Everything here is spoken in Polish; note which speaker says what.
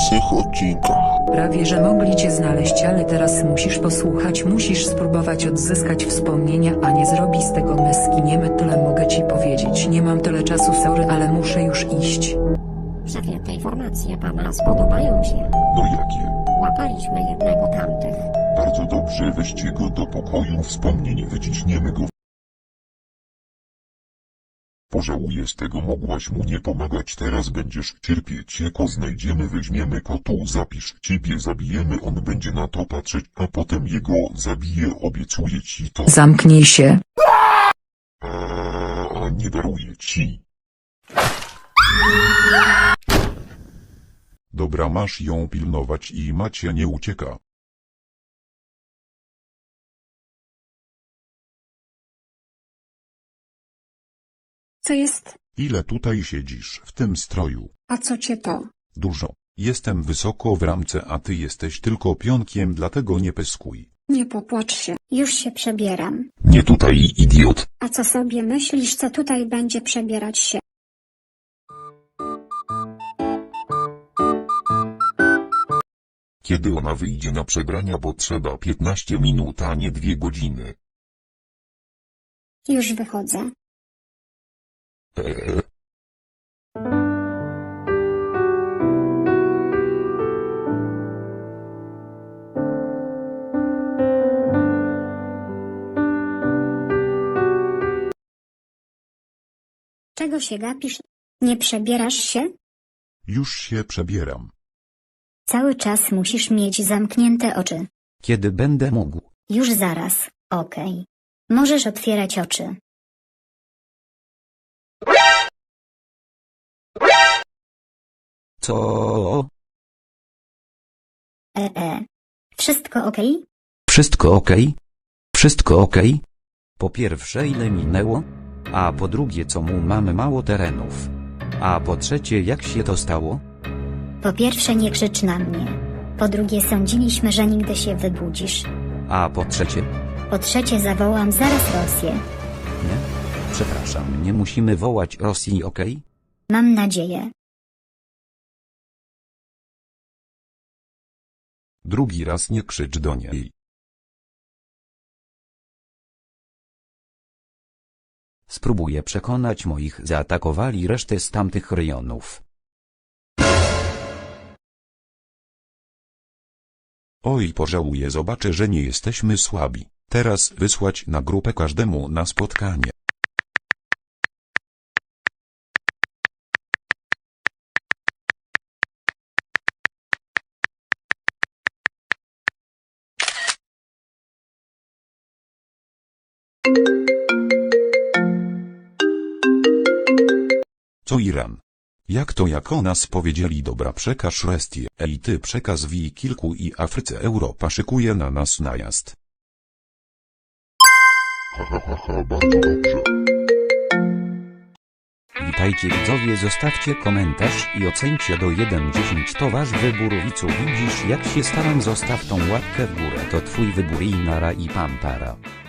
Speaker 1: dzisiejszych odcinkach.
Speaker 2: Prawie że mogli cię znaleźć, ale teraz musisz posłuchać, musisz spróbować odzyskać wspomnienia, a nie zrobi z tego meski. Nie tyle mogę ci powiedzieć, nie mam tyle czasu, sorry, ale muszę już iść.
Speaker 3: Szefie, te informacje pana spodobają się.
Speaker 1: No jakie?
Speaker 3: Łapaliśmy jednego tamtych.
Speaker 1: Bardzo dobrze, weźcie go do pokoju wspomnień, wyciśniemy go. Pożałuję z tego, mogłaś mu nie pomagać, teraz będziesz cierpieć, jako znajdziemy, weźmiemy go tu, zapisz, ciebie zabijemy, on będzie na to patrzeć, a potem jego zabiję, obiecuję ci to.
Speaker 2: Zamknij się.
Speaker 1: A nie daruję ci.
Speaker 4: Dobra, masz ją pilnować i Macie nie ucieka.
Speaker 5: Co jest?
Speaker 4: Ile tutaj siedzisz w tym stroju?
Speaker 5: A co cię to?
Speaker 4: Dużo. Jestem wysoko w ramce, a ty jesteś tylko pionkiem, dlatego nie pyskuj.
Speaker 5: Nie popłacz się. Już się przebieram.
Speaker 1: Nie tutaj, idiot.
Speaker 5: A co sobie myślisz, co tutaj będzie przebierać się?
Speaker 1: Kiedy ona wyjdzie na przebrania, bo trzeba 15 minut, a nie 2 godziny.
Speaker 5: Już wychodzę. Czego się gapisz? Nie przebierasz się?
Speaker 4: Już się przebieram.
Speaker 5: Cały czas musisz mieć zamknięte oczy.
Speaker 6: Kiedy będę mógł?
Speaker 5: Już zaraz, okej. Możesz otwierać oczy.
Speaker 6: Co?
Speaker 5: Wszystko okej?
Speaker 6: Wszystko okej? Wszystko okej? Po pierwsze, ile minęło? A po drugie, co mu mamy mało terenów? A po trzecie, jak się to stało?
Speaker 5: Po pierwsze, nie krzycz na mnie. Po drugie, sądziliśmy, że nigdy się wybudzisz.
Speaker 6: A po trzecie?
Speaker 5: Po trzecie, zawołam zaraz Rosję.
Speaker 6: Nie? Przepraszam, nie musimy wołać Rosji, okej?
Speaker 5: Mam nadzieję.
Speaker 4: Drugi raz nie krzycz do niej.
Speaker 6: Spróbuję przekonać moich, zaatakowali resztę z tamtych rejonów.
Speaker 4: Oj, pożałuję, zobaczę, że nie jesteśmy słabi. Teraz wysłać na grupę każdemu na spotkanie. Co Iran? Jak to, jak o nas powiedzieli, dobra, przekaż Restię, ej ty przekaz wi kilku i Afryce, Europa szykuje na nas najazd.
Speaker 1: Bardzo dobrze.
Speaker 6: Witajcie widzowie, zostawcie komentarz i ocencie do 1-10, to wasz wybór. Widzu, widzisz jak się staram, zostaw tą łapkę w górę, to twój wybór i nara i pampara.